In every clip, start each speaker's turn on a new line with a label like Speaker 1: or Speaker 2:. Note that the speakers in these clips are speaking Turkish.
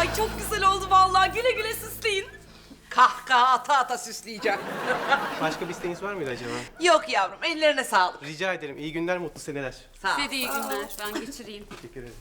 Speaker 1: Ay çok güzel oldu vallahi. Güle güle süsleyin.
Speaker 2: Kahkaha ata ata süsleyeceğim.
Speaker 3: Başka bir isteğiniz var mıydı acaba?
Speaker 2: Yok yavrum, ellerine sağlık.
Speaker 3: Rica ederim. İyi günler, mutlu seneler.
Speaker 2: Sağ ol.
Speaker 4: Size de iyi günler. Ben geçireyim.
Speaker 3: Teşekkür ederim.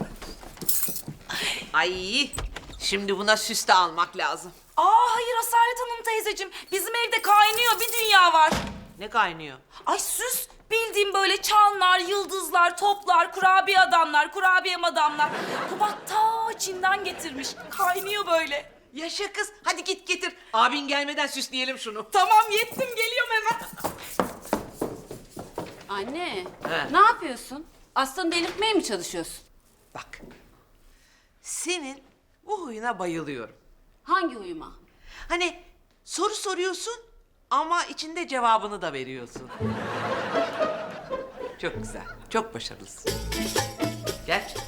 Speaker 2: Ay, şimdi buna süs de almak lazım.
Speaker 1: Hayır Asalet Hanım teyzeciğim. Bizim evde kaynıyor bir dünya var.
Speaker 2: Ne kaynıyor?
Speaker 1: Ay süs. Bildiğim böyle çanlar, yıldızlar, toplar, kurabiye adamlar, kurabiye madamlar. Kubat ta Çin'den getirmiş. Kaynıyor böyle.
Speaker 2: Yaşa kız, hadi git getir. Abin gelmeden süsleyelim şunu.
Speaker 1: Tamam yettim geliyorum hemen.
Speaker 4: Anne,
Speaker 2: He.
Speaker 4: ne yapıyorsun? Aslanı delirtmeye mi çalışıyorsun?
Speaker 2: Bak, senin bu huyuna bayılıyorum.
Speaker 4: Hangi uyuma?
Speaker 2: Hani soru soruyorsun ama içinde cevabını da veriyorsun. Çok güzel, çok başarılısın. Gerçekten.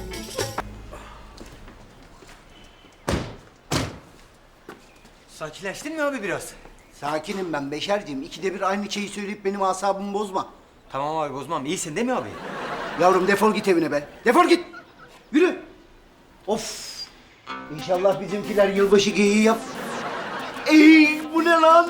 Speaker 5: Sakinleştin mi abi biraz?
Speaker 6: Sakinim ben Beşerciğim. İkide bir aynı şeyi söyleyip benim asabımı bozma.
Speaker 5: Tamam abi bozmam. İyisin değil mi abi?
Speaker 6: Yavrum defol git evine be. Defol git. Yürü. Of. İnşallah bizimkiler yılbaşı geyiği yap. Ey bu ne lan?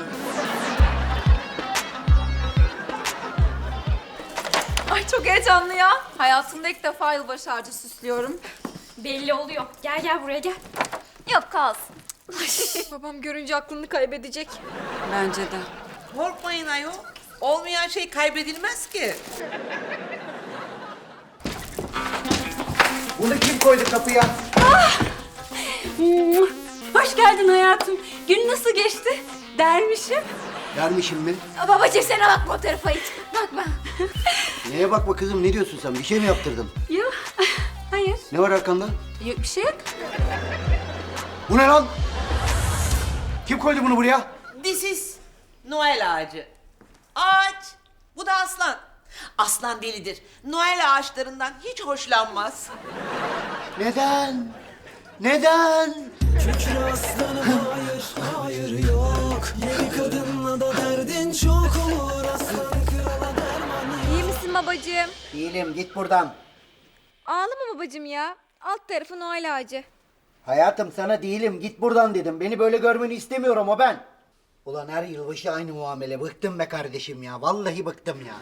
Speaker 7: Ay çok heyecanlı ya. Hayatımda ilk defa yılbaşı ağacı süslüyorum. Belli oluyor. Gel gel buraya gel. Yok kalsın. Ay, babam görünce aklını kaybedecek.
Speaker 4: Bence de.
Speaker 2: Korkmayın ayol. Olmayan şey kaybedilmez ki.
Speaker 6: Bunu kim koydu kapıya?
Speaker 4: Hoş geldin hayatım. Gün nasıl geçti? Dermişim.
Speaker 6: Dermişim mi?
Speaker 7: Babacığım sen bakma o tarafa hiç. Bakma.
Speaker 6: Neye bakma kızım, ne diyorsun sen? Bir şey mi yaptırdın?
Speaker 4: Yok. Hayır.
Speaker 6: Ne var arkanda?
Speaker 4: Yok bir şey yok.
Speaker 6: Bu ne lan? Kim koydu bunu buraya?
Speaker 2: This is Noel ağacı. Ağaç. Bu da aslan. Aslan delidir. Noel ağaçlarından hiç hoşlanmaz.
Speaker 6: Neden? Neden?
Speaker 8: Kükre aslanım hayır, hayır yok. Yeni kadınla da derdin çok olur. Aslan krala derman
Speaker 9: İyi misin babacığım?
Speaker 6: Değilim, git buradan.
Speaker 9: Ağlama babacığım ya. Alt tarafı Noel ağacı.
Speaker 6: Hayatım sana değilim, git buradan dedim. Beni böyle görmeni istemiyorum o ben. Ulan her yılbaşı aynı muamele. Bıktım be kardeşim ya. Vallahi bıktım ya.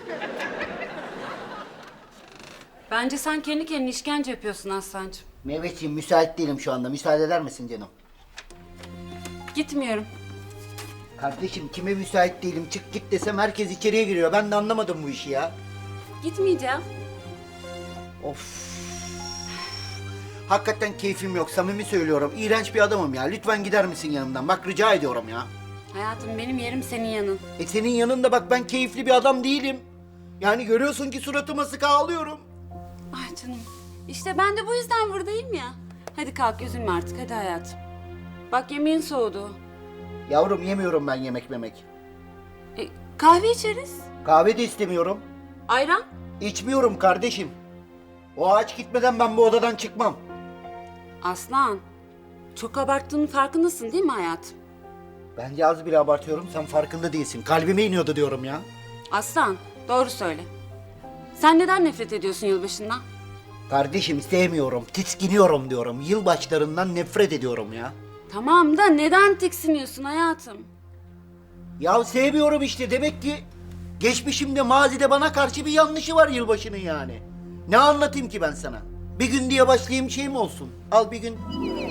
Speaker 4: Bence sen kendi kendine işkence yapıyorsun Aslancığım.
Speaker 6: Mehmetciğim müsait değilim şu anda. Müsaade eder misin canım?
Speaker 4: Gitmiyorum.
Speaker 6: Kardeşim kime müsait değilim çık git desem herkes içeriye giriyor. Ben de anlamadım bu işi ya.
Speaker 4: Gitmeyeceğim.
Speaker 6: Of. Hakikaten keyfim yok. Samimi söylüyorum. İğrenç bir adamım ya. Lütfen gider misin yanımdan? Bak rica ediyorum ya.
Speaker 4: Hayatım benim yerim senin yanın.
Speaker 6: Senin yanında bak ben keyifli bir adam değilim. Yani görüyorsun ki suratıma sık ağlıyorum.
Speaker 4: Ay canım. İşte ben de bu yüzden buradayım ya. Hadi kalk üzülme artık hadi hayatım. Bak yemeğin soğudu.
Speaker 6: Yavrum yemiyorum ben yemek memek.
Speaker 4: Kahve içeriz.
Speaker 6: Kahve de istemiyorum.
Speaker 4: Ayran.
Speaker 6: İçmiyorum kardeşim. O ağaç gitmeden ben bu odadan çıkmam.
Speaker 4: Aslan. Çok abarttığının farkındasın değil mi hayatım?
Speaker 6: Bence az bile abartıyorum. Sen farkında değilsin. Kalbime iniyordu diyorum ya.
Speaker 4: Aslan doğru söyle. Sen neden nefret ediyorsun yılbaşından?
Speaker 6: Kardeşim sevmiyorum. Tiskiniyorum diyorum. Yılbaşlarından nefret ediyorum ya.
Speaker 4: Tamam da neden tiksiniyorsun hayatım?
Speaker 6: Ya sevmiyorum işte. Demek ki geçmişimde mazide bana karşı bir yanlışı var yılbaşının yani. Ne anlatayım ki ben sana? Bir gün diye başlayayım şey mi olsun? Al bir gün.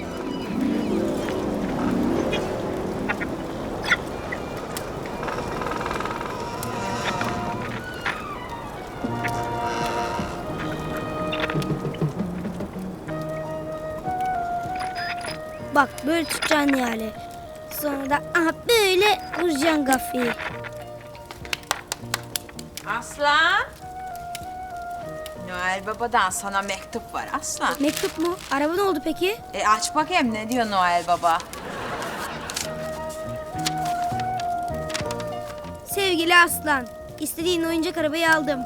Speaker 10: Bak böyle tutacaksın yani. Sonra da böyle vuracaksın kafayı.
Speaker 7: Aslan. Noel Baba'dan sana mektup var Aslan.
Speaker 10: Mektup mu? Araba ne oldu peki?
Speaker 7: Aç bakayım ne diyor Noel Baba.
Speaker 10: Sevgili Aslan, istediğin oyuncak arabayı aldım.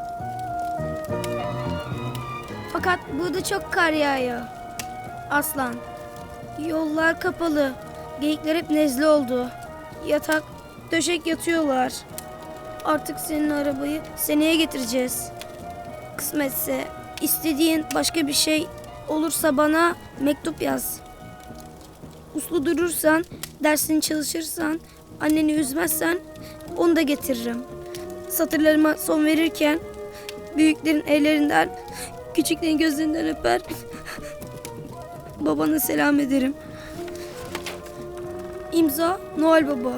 Speaker 10: Fakat burada çok kar yağıyor. Aslan, yollar kapalı. Geyikler hep nezle oldu. Yatak, döşek yatıyorlar. Artık senin arabayı seneye getireceğiz. Kısmetse istediğin başka bir şey olursa bana mektup yaz. uslu durursan, dersini çalışırsan, anneni üzmezsen onu da getiririm. Satırlarıma son verirken büyüklerin ellerinden, küçüklerin gözlerinden öper, babana selam ederim. İmza Noel Baba.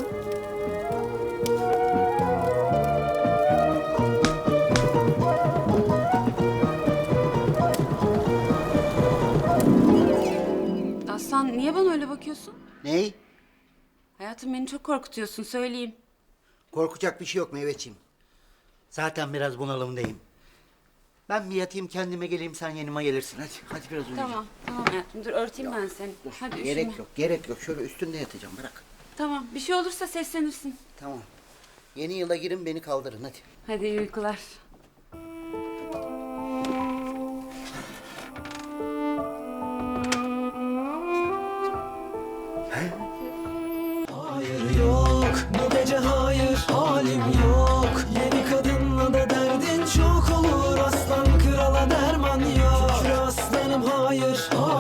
Speaker 4: Aslan niye bana öyle bakıyorsun?
Speaker 6: Ney?
Speaker 4: Hayatım beni çok korkutuyorsun söyleyeyim.
Speaker 6: Korkacak bir şey yok Meyveciğim. Zaten biraz bunalımdayım. Ben bir yatayım kendime geleyim sen yanıma gelirsin. Hadi biraz uyuyacağım.
Speaker 4: Tamam hayatım dur örteyim ben seni. Hadi üşüme.
Speaker 6: Gerek yok. Şöyle üstünde yatacağım bırak.
Speaker 4: Tamam bir şey olursa seslenirsin.
Speaker 6: Tamam. Yeni yıla girin beni kaldırın hadi.
Speaker 4: Hadi iyi uykular.
Speaker 8: Hayır yok bu gece hayır halim yok. Yeni kadınla da derdin çok olur. Aslan krala derman yok. Şükür aslanım hayır hayır